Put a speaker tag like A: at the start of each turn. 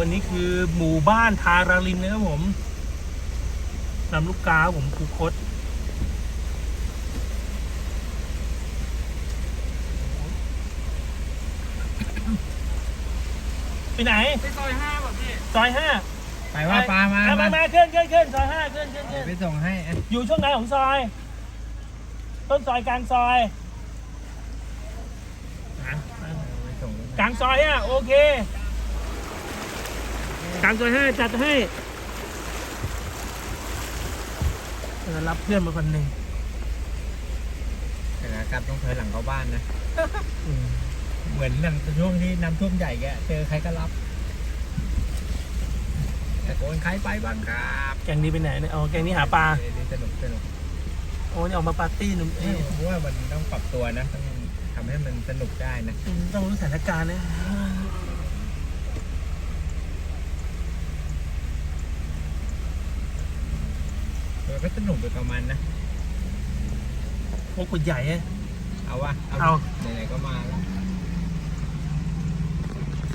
A: อันนี้คือหมู่บ้านทาราลินนะครับผมลำลูกกาผมคูคตไปไหน
B: ไปซอย5แบบพี่
A: ซอย5
C: ไปว่าปลามา
A: ขึ้นซอย5ขึ้น
C: ไปส่งให้
A: อยู่ช่วงไหนของซอยต้นซอยกลางซอยกลางซอยอ่ะโอเคกลางซอย5จัดให้รับเพื่อนมาคนหนึ่ง
C: แต่กลับต้องถอยหลังเข้าบ้านนะเหมือนหลังช่วงที่น้ำท่วมใหญ่แกเจอใครก็รับแต่โกนใครไปบ้างครับ
A: แกงนี้ไปไหนเนี่ยอ๋อแกงนี้หาปลา
C: สนุก
A: โอ้นี่ออกมาปาร์ตี้หนุ่ม
C: เพราะว่ามันต้องปรับตัวนะต้องทำให้มันสนุกได้นะ
A: ต้องรู้สถานการณ์นะ
C: มันก็สนุกไปประมาณนะ
A: โอ้กุดใหญ่
C: เอาวะ
A: เอา
C: ไหนๆก็มาแล้ว